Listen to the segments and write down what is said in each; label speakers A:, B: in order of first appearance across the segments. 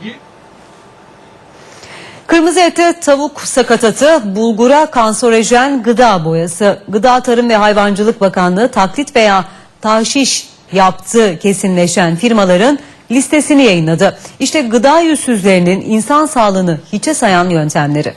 A: Kırmızı ete tavuk sakatatı, bulgura kanserojen gıda boyası. Gıda Tarım ve Hayvancılık Bakanlığı taklit veya tahşiş yaptığı kesinleşen firmaların listesini yayınladı. İşte gıda yüzsüzlerinin insan sağlığını hiçe sayan yöntemleri.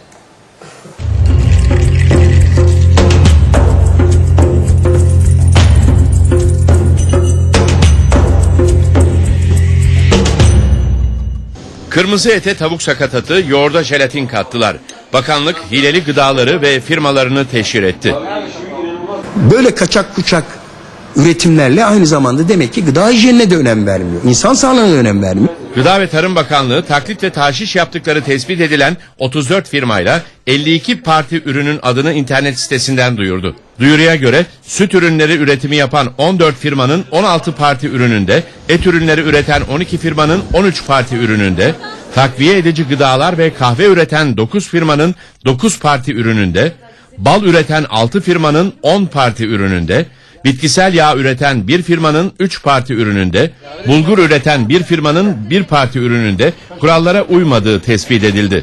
B: Kırmızı ete tavuk sakatatı, yoğurda jelatin kattılar. Bakanlık hileli gıdaları ve firmalarını teşhir etti.
C: Böyle kaçak kuçak üretimlerle aynı zamanda demek ki gıda hijyenine de önem vermiyor. İnsan sağlığına da önem vermiyor.
B: Gıda ve Tarım Bakanlığı taklit ve tahşiş yaptıkları tespit edilen 34 firmayla 52 parti ürünün adını internet sitesinden duyurdu. Duyuruya göre süt ürünleri üretimi yapan 14 firmanın 16 parti ürününde, et ürünleri üreten 12 firmanın 13 parti ürününde, takviye edici gıdalar ve kahve üreten 9 firmanın 9 parti ürününde, bal üreten 6 firmanın 10 parti ürününde, bitkisel yağ üreten bir firmanın 3 parti ürününde, bulgur üreten bir firmanın 1 parti ürününde kurallara uymadığı tespit edildi.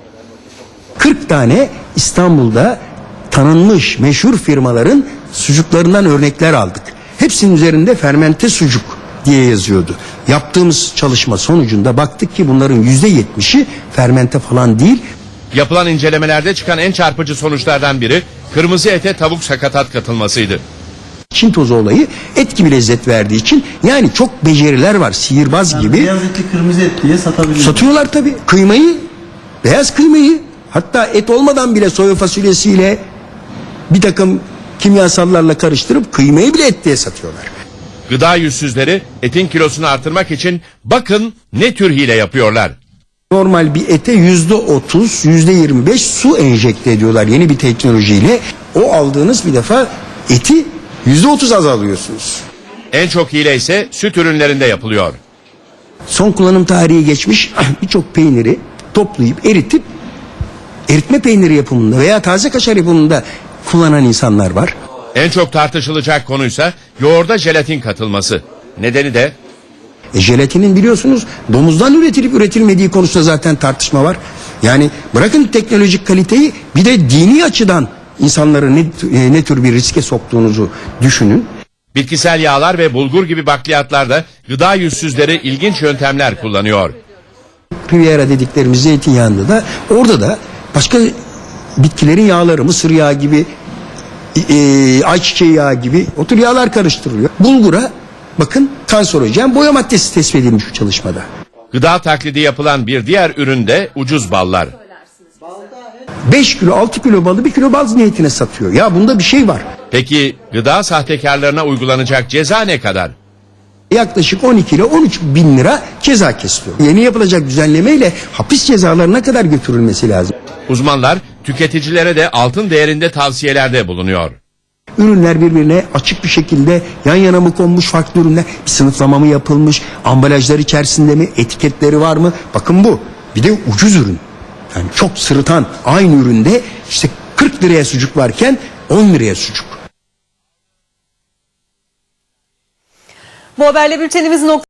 C: 40 tane İstanbul'da tanınmış meşhur firmaların sucuklarından örnekler aldık. Hepsinin üzerinde fermente sucuk diye yazıyordu. Yaptığımız çalışma sonucunda baktık ki bunların %70'i fermente falan değil.
B: Yapılan incelemelerde çıkan en çarpıcı sonuçlardan biri kırmızı ete tavuk sakatat katılmasıydı.
C: Çin tozu olayı et gibi lezzet verdiği için yani çok beceriler var, sihirbaz gibi.
D: Beyaz etli kırmızı et diye satabiliyor.
C: Satıyorlar tabii. Kıymayı, beyaz kıymayı, hatta et olmadan bile soya fasulyesiyle bir takım kimyasallarla karıştırıp kıymayı bile et diye satıyorlar.
B: Gıda yüzsüzleri etin kilosunu artırmak için bakın ne tür hile yapıyorlar.
C: Normal bir ete %30, %25 su enjekte ediyorlar yeni bir teknolojiyle. O aldığınız bir defa eti %30 azalıyorsunuz.
B: En çok hile ise süt ürünlerinde yapılıyor.
C: Son kullanım tarihi geçmiş birçok peyniri toplayıp eritip eritme peyniri yapımında veya taze kaşar yapımında kullanan insanlar var.
B: En çok tartışılacak konuysa yoğurda jelatin katılması. Nedeni de
C: Jelatinin biliyorsunuz domuzdan üretilip üretilmediği konusunda zaten tartışma var. Yani bırakın teknolojik kaliteyi, bir de dini açıdan insanları ne tür bir riske soktuğunuzu düşünün.
B: bitkisel yağlar ve bulgur gibi bakliyatlarda gıda yüzsüzleri ilginç yöntemler kullanıyor.
C: Riviera dediklerimiz zeytinyağında da orada da başka bitkilerin yağları, mısır yağı gibi, ayçiçeği yağı gibi o tür yağlar karıştırılıyor. Bulgura bakın kanserojen boya maddesi tespit edilmiş bu çalışmada.
B: Gıda taklidi yapılan bir diğer ürün de ucuz ballar.
C: 5 kilo 6 kilo balı 1 kilo bal niyetine satıyor. Ya bunda bir şey var.
B: Peki gıda sahtekarlarına uygulanacak ceza ne kadar?
C: Yaklaşık 12 ile 13 bin lira ceza kesiliyor. Yeni yapılacak düzenlemeyle hapis cezalarına kadar götürülmesi lazım.
B: Uzmanlar tüketicilere de altın değerinde tavsiyelerde bulunuyor.
C: Ürünler birbirine açık bir şekilde yan yana mı konmuş, farklı ürünler, bir sınıflama mı yapılmış, ambalajlar içerisinde mi, etiketleri var mı? Bakın bu. Bir de ucuz ürün. Yani çok sırıtan aynı üründe işte 40 liraya sucuk varken 10 liraya sucuk.
A: Bu haberle bültenimiz